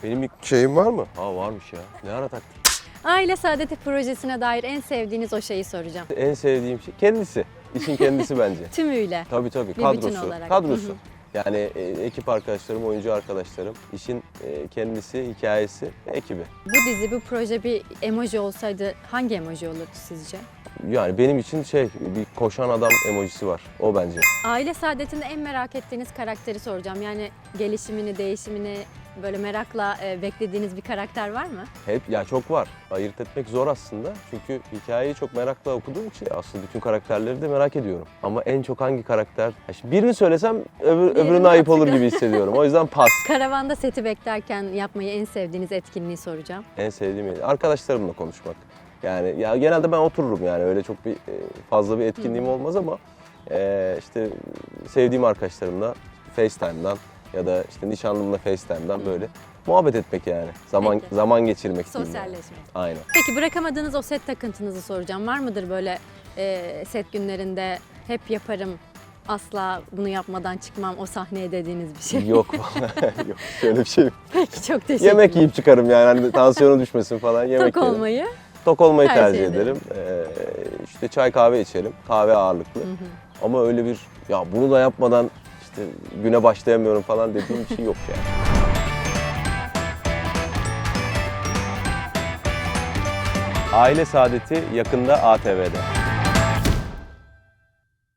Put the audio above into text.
Benim bir şeyim var mı? Ha varmış ya. Ne ara taktın? Aile Saadeti projesine dair en sevdiğiniz o şeyi soracağım. En sevdiğim şey kendisi. İşin kendisi bence. Tümüyle. Tabii Bir bütün kadrosu. olarak. Kadrosu. Hı hı. Yani ekip arkadaşlarım, oyuncu arkadaşlarım, işin kendisi, hikayesi, ekibi. Bu dizi, bu proje bir emoji olsaydı hangi emoji olurdu sizce? Yani benim için bir koşan adam emojisi var. O bence. Aile Saadeti'nde en merak ettiğiniz karakteri soracağım. Yani gelişimini, değişimini böyle merakla beklediğiniz bir karakter var mı? Çok var. Ayırt etmek zor aslında. Çünkü hikayeyi çok merakla okuduğum için aslında bütün karakterleri de merak ediyorum. Ama en çok hangi karakter? Şimdi birini söylesem öbürüne ayıp olur gibi hissediyorum. O yüzden pas. Karavanda seti beklerken yapmayı en sevdiğiniz etkinliği soracağım. En sevdiğim arkadaşlarımla konuşmak. Yani ya genelde ben otururum yani öyle çok fazla bir etkinliğim olmaz ama işte sevdiğim arkadaşlarımla FaceTime'dan ya da işte nişanlımla FaceTime'dan böyle muhabbet etmek yani. Peki. Zaman geçirmek diyeyim yani. Sosyalleşmek. Aynen. Peki bırakamadığınız o set takıntınızı soracağım. Var mıdır böyle set günlerinde hep yaparım, asla bunu yapmadan çıkmam o sahneye dediğiniz bir şey? Yok. Yok. Şöyle bir şey yok. Peki çok teşekkür Yemek yiyip çıkarım yani hani tansiyonu düşmesin falan yemek Tok yerim. olmayı. Tok olmayı tercih tercih ederim. ederim. İşte çay kahve içerim. Kahve ağırlıklı. Ama öyle bir ya bunu da yapmadan işte güne başlayamıyorum falan dediğim bir şey yok yani. Aile Saadeti yakında ATV'de.